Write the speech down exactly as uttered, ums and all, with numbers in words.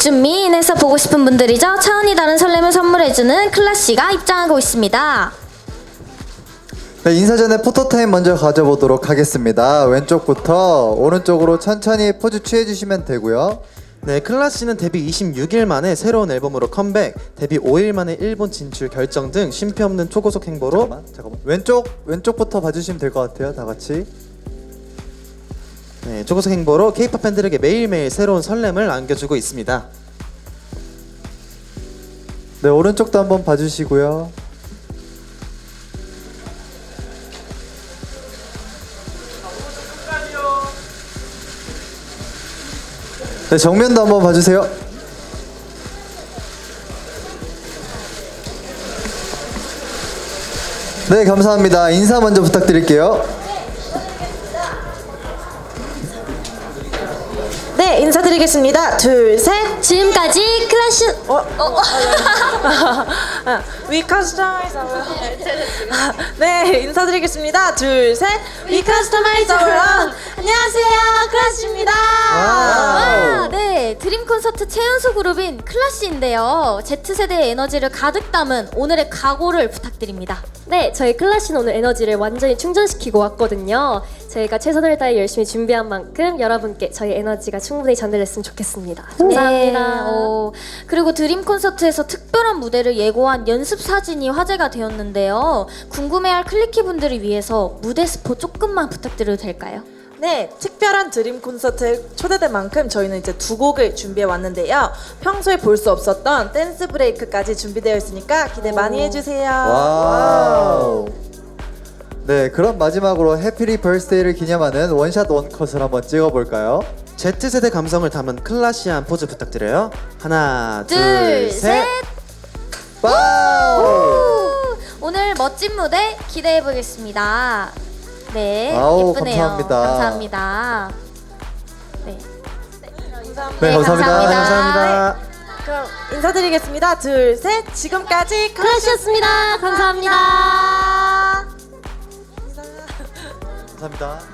준미인에서 보고 싶은 분들이죠. 차원이 다른 설렘을 선물해주는 클라씨가 입장하고 있습니다. 네, 인사 전에 포토타임 먼저 가져보도록 하겠습니다. 왼쪽부터 오른쪽으로 천천히 포즈 취해주시면 되고요. 네, 클라씨는 데뷔 이십육 일 만에 새로운 앨범으로 컴백, 데뷔 오 일 만에 일본 진출 결정 등 쉼표 없는 초고속 행보로 잠깐만, 잠깐만. 왼쪽 왼쪽부터 봐주시면 될 것 같아요. 다 같이. 네, 초고속 행보로 케이팝 팬들에게 매일매일 새로운 설렘을 안겨주고 있습니다. 네, 오른쪽도 한번 봐주시고요. 네, 정면도 한번 봐주세요. 네, 감사합니다. 인사 먼저 부탁드릴게요. 네, 인사드리겠습니다. 둘, 셋. 지금까지 클라시 어? 어? We customize our 네, 인사드리겠습니다. 둘, 셋. We customize our own. 안녕하세요, 클라시입니다. 와, 네, 드림 콘서트 최연소 그룹인 클라씨인데요. Z세대의 에너지를 가득 담은 오늘의 각오를 부탁드립니다. 네, 저희 클라시는 오늘 에너지를 완전히 충전시키고 왔거든요. 저희가 최선을 다해 열심히 준비한 만큼 여러분께 저희 에너지가 충분히 전달됐으면 좋겠습니다. 감사합니다. 네, 어, 그리고 드림 콘서트에서 특별한 무대를 예고한 연습 사진이 화제가 되었는데요. 궁금해할 클리키 분들을 위해서 무대 스포 조금만 부탁드려도 될까요? 네, 특별한 드림 콘서트에 초대된 만큼 저희는 이제 두 곡을 준비해 왔는데요. 평소에 볼 수 없었던 댄스 브레이크까지 준비되어 있으니까 기대 많이 해주세요. 와우. 네, 그럼 마지막으로 해피리 벌스데이를 기념하는 원샷 원컷을 한번 찍어볼까요? Z세대 감성을 담은 클라시한 포즈 부탁드려요. 하나, 둘, 둘, 셋. 셋. 와우. 오, 오늘 멋진 무대 기대해 보겠습니다. 네, 아우, 예쁘네요. 감사합니다. 감사합니다. 네, 네, 감사합니다. 감사합니다. 그럼 인사드리겠습니다. 둘, 셋. 지금까지 클래시였습니다. 감사합니다. 감사합니다. 감사합니다.